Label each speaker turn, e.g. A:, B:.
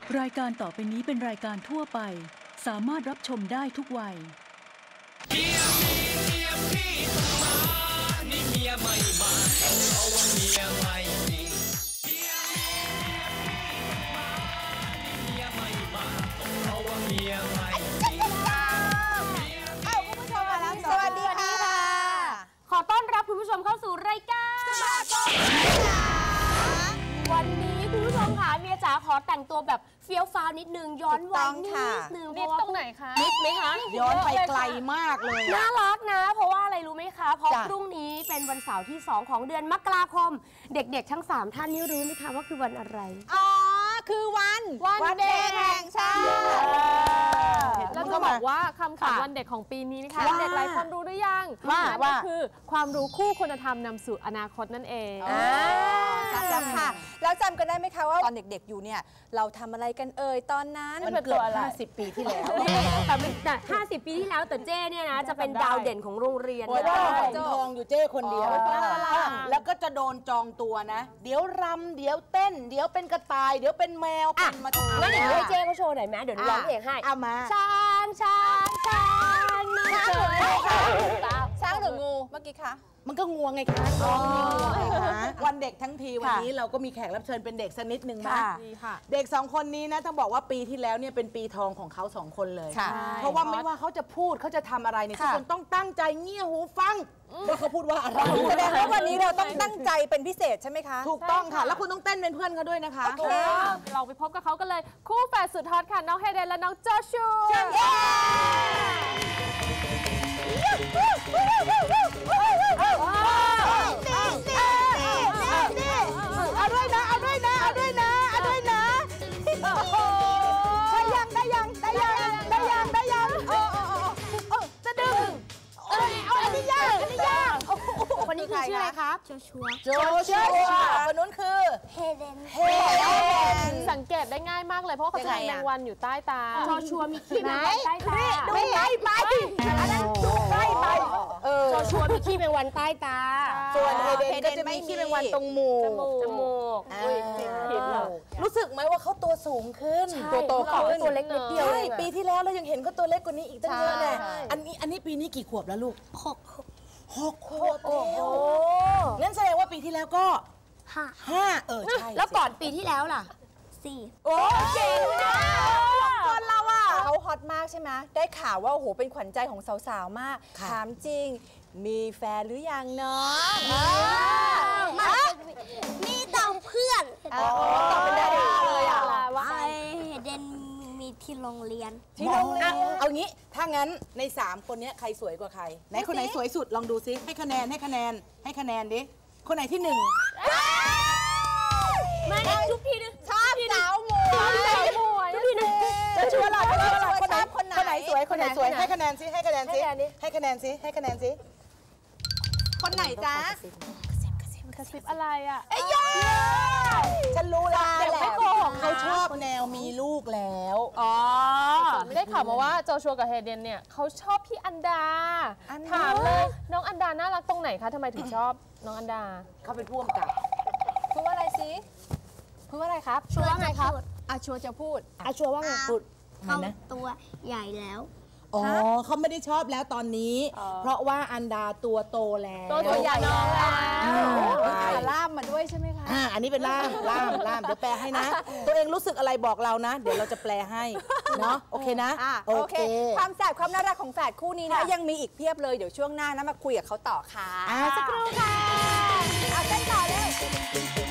A: รายการต่อไปนี้เป็นรายการทั่วไปสามารถรับชมได้ทุกวัยเมียพี่ต้องมานี่เมียไม่มาเพราะว่าเมียไม่มีเมียพี่ต้องมานี่เมียไม่มาเพราะว่าเมียไม่มี
B: คุณผู้ชมมาแล้วสวัสดีค่ะ
C: ขอต้อนรับคุณผู้ชมเข้าสู่รายการวันนี้คุณผู้ชมค่ะเมียจ๋าขอแต่งตัวแบบเฟี้ยวฟ้าวนิดนึงย้อนวัยนิดนึง
B: นิดตรงไหนคะ
C: นิดไหมคะ
B: ย้อนไปไกลมากเลย
C: น่ารักนะเพราะว่าอะไรรู้ไหมคะเพราะพรุ่งนี้เป็นวันเสาร์ที่2ของเดือนมกราคมเด็กๆทั้ง3ท่านนี้รู้ไหมคะว่าคือวันอะไร
B: อ๋อคือวันเด็กแห่งชาติ
D: แล้วก็บอกว่าคำขวัญวันเด็กของปีนี้นะคะเด็กหลายคนรู้หรือยังว่าคือความรู้คู่คุณธรรมนำสู่อนาคตนั่นเอง
B: จำค่ะแล้วจำกันได้ไหมคะว่าตอนเด็กๆอยู่เนี่ยเราทำอะไรกันตอนนั้น
C: มันเกือบ50 ปีที่แล้วแต่50 ปีที่แล้วแต่เจ้เนี่ยนะจะเป็นดาวเด่นของโรงเรียน
B: เพราะว่าทองอยู่เจ้คนเดียวแล้วก็จะโดนจองตัวนะเดี๋ยวรำเดี๋ยวเต้นเดี๋ยวเป็นกระต่ายเดี๋ยวเป็นแมวเป็นมาทุก
C: งั้นเดี๋ยวให้เจ้เขาโชว์หน่อยไหมเดี๋ยวร้องเพลงให้
B: เอามา
C: ช้างหรืองู
B: เมื่อกี้คะมันก็งัวไงคะวันเด็กทั้งทีวันนี้เราก็มีแขกรับเชิญเป็นเด็กสักนิดหนึ่งนะเด็ก2คนนี้นะต้องบอกว่าปีที่แล้วเนี่ยเป็นปีทองของเขา2คนเลยเพราะว่าไม่ว่าเขาจะพูดเขาจะทำอะไรเนี่ยทุกคนต้องตั้งใจเงี่ยหูฟังว่าเขาพูดว่าอะไรแสดงว่าวันนี้เราต้องตั้งใจเป็นพิเศษใช่ไหมคะถูกต้องค่ะแล้วคุณต้องเต้นเป็นเพื่อนเขาด้วยนะคะ
D: เราไปพบกับเขากันเลยคู่แฝดสุดฮอตค่ะน้องเฮเดนและน้องโจชู
B: เอาด้วยนะใช่ยังได้ยังจะดึงเอาอันนี้ยาก
C: คนนี้คือชื่ออะไรครับ
B: โจชัวคนนู้นคือ
E: เฮเดน
D: สังเกตได้ง่ายมากเลยเพราะเขาจะมีแมงวันอยู่ใต้ตา
C: โจชัวมีขี้แมงวันใต้ตา
B: ดูใกล้ไปอันนั้นดูใกล้ไป
C: โจชัวมีขี้แมงวันใต้ตา
B: ส่วนเฮเดนก็จะมีขี้แมงวันตรงจมูกรู้สึกไหมว่าเขาตัวสูงขึ้น
C: ตัวโตขึ้นตัวเล็กนิดเดียว
B: ปีที่แล้วเรายังเห็นเขาตัวเล็กกว่านี้อีกตั้งเยอะเลยอันนี้ปีนี้กี่ขวบแล้วลูก6 ขวบโอ้โหงั้นแสดงว่าปีที่แล้วก็5ใช่
C: แล้วก่อนปีที่แล้วล่ะ
E: 4
B: โอ้เก่งนะคนเราอ่ะเขาฮอตมากใช่ไหมได้ข่าวว่าโอ้โหเป็นขวัญใจของสาวๆมากถามจริงมีแฟนหรือยังเนาะ
E: มีต่อเพื่อน
B: ตอบเป็นดาราเลยอ่ะ
E: ว่าเฮเดนมีที่โรงเรียน
B: เอางี้ถ้างั้นใน3คนนี้ใครสวยกว่าใครไหนคนไหนสวยสุดลองดูซิให้คะแนนดิคนไหนที่1
C: ไม่ทุกทีนึง
B: ชอบสาวหมวย
C: ทุกทีนึง
B: จะชัวร์หรอคนไหนสวยให้คะแนนซิคนไหนจ๊ะ
D: กระซิบอะไรอ่ะ
B: ฉันรู้แล้วเขาชอบแนวมีลูกแล้ว
D: ไม่ได้ข่าวมาว่าโจชัวกับเฮเดนเนี่ยเขาชอบพี่อันดาถามเลยน้องอันดาน่ารักตรงไหนคะทำไมถึงชอบน้องอันดา
B: เขาเป็นผู้กำกับพูดว่าอะไรสิ
C: พูดว่าอะไรครับ
E: ชัวว่าไงครับ
C: ชัวจะพูดชัวว่าไงพูด
E: เขาตัวใหญ่แล้ว
B: เขาไม่ได้ชอบแล้วตอนนี้เพราะว่าอันดาตัวโตแล้ว
D: ตัวใหญ่แล้ว
C: ล่ามมาด้วยใช่ไหมคะ
B: อันนี้เป็นล่ามเดี๋ยวแปลให้นะตัวเองรู้สึกอะไรบอกเรานะเดี๋ยวเราจะแปลให้เนาะโอเคนะโอเคความแสบความน่ารักของแฝดคู่นี้นะยังมีอีกเพียบเลยเดี๋ยวช่วงหน้านะมาคุยกับเขาต่อค่ะ
C: สักครู่ค่ะ
B: เต้นต่อเลย